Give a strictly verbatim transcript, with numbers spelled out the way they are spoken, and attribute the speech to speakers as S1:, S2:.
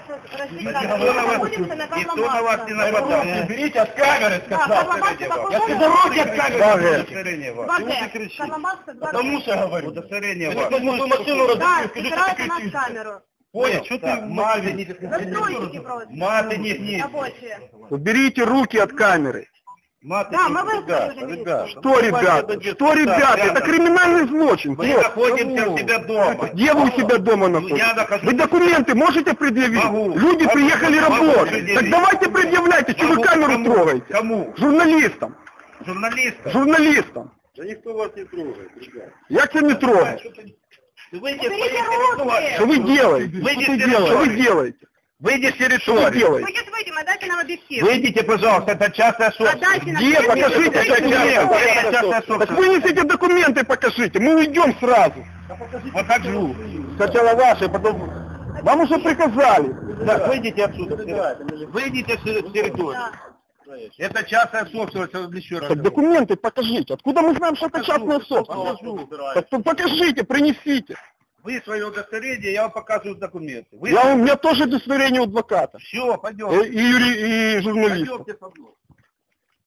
S1: Никто на вас не нападал.
S2: Уберите от камеры, сказал. Я сказал, руки от камеры. Удостоверение вам. Потому что говорю.
S1: Удостоверение
S2: вам.
S1: вам.
S2: Потому что машину
S3: Да, собирайте на камеру.
S2: Понял, что ты маты не...
S1: Маты не не.
S3: Рабочие.
S4: Уберите руки от камеры.
S3: Да, мы выслушали уже видео.
S4: Что, ребята? Что, ребята? Это криминальный злочин.
S1: Мы находимся у себя дома.
S4: Где вы у себя дома находитесь? Вы документы можете предъявить?
S1: Могу.
S4: Люди
S1: Могу.
S4: приехали
S1: Могу
S4: работать.
S1: предъявить.
S4: Так давайте предъявляйте, что вы
S1: Кому?
S4: камеру
S1: Кому?
S4: трогаете.
S1: Кому?
S4: Журналистам.
S1: Журналистам.
S4: Журналистам.
S2: Да никто вас не трогает, ребят.
S4: Я тебя не трогаю.
S1: Выйди
S3: Уберите руки.
S4: Что вы делаете?
S1: Выйди
S4: Что
S1: с
S4: вы делаете? Что вы
S1: территории.
S4: делаете?
S1: Выйди с
S4: Что вы
S1: территории.
S4: делаете?
S3: Вы сейчас выйдем, отдайте нам объектив.
S1: Выйдите, пожалуйста, это частная собственность.
S3: Отдайте нам
S4: Где?
S3: объектив.
S4: Покажите
S3: Выйдите.
S4: документы.
S1: Это частная
S4: Так
S1: собственность.
S4: вынесите документы, покажите. Мы уйдем сразу.
S1: Покажу.
S4: Сначала ваши, потом... Вам уже приказали.
S1: Так, выйдите отсюда. Выйдите с территории.
S3: Да.
S1: Это частная собственность, еще раз.
S4: Так документы покажите. Откуда мы знаем, что это частная собственность?
S1: Покажу.
S4: Так то покажите, принесите.
S1: Вы свое удостоверение, я вам показываю документы. Вы...
S4: Я, у меня тоже удостоверение у адвоката.
S1: Все, пойдем.
S4: И, и, юри- и журналиста.
S1: Пойдемте со мной.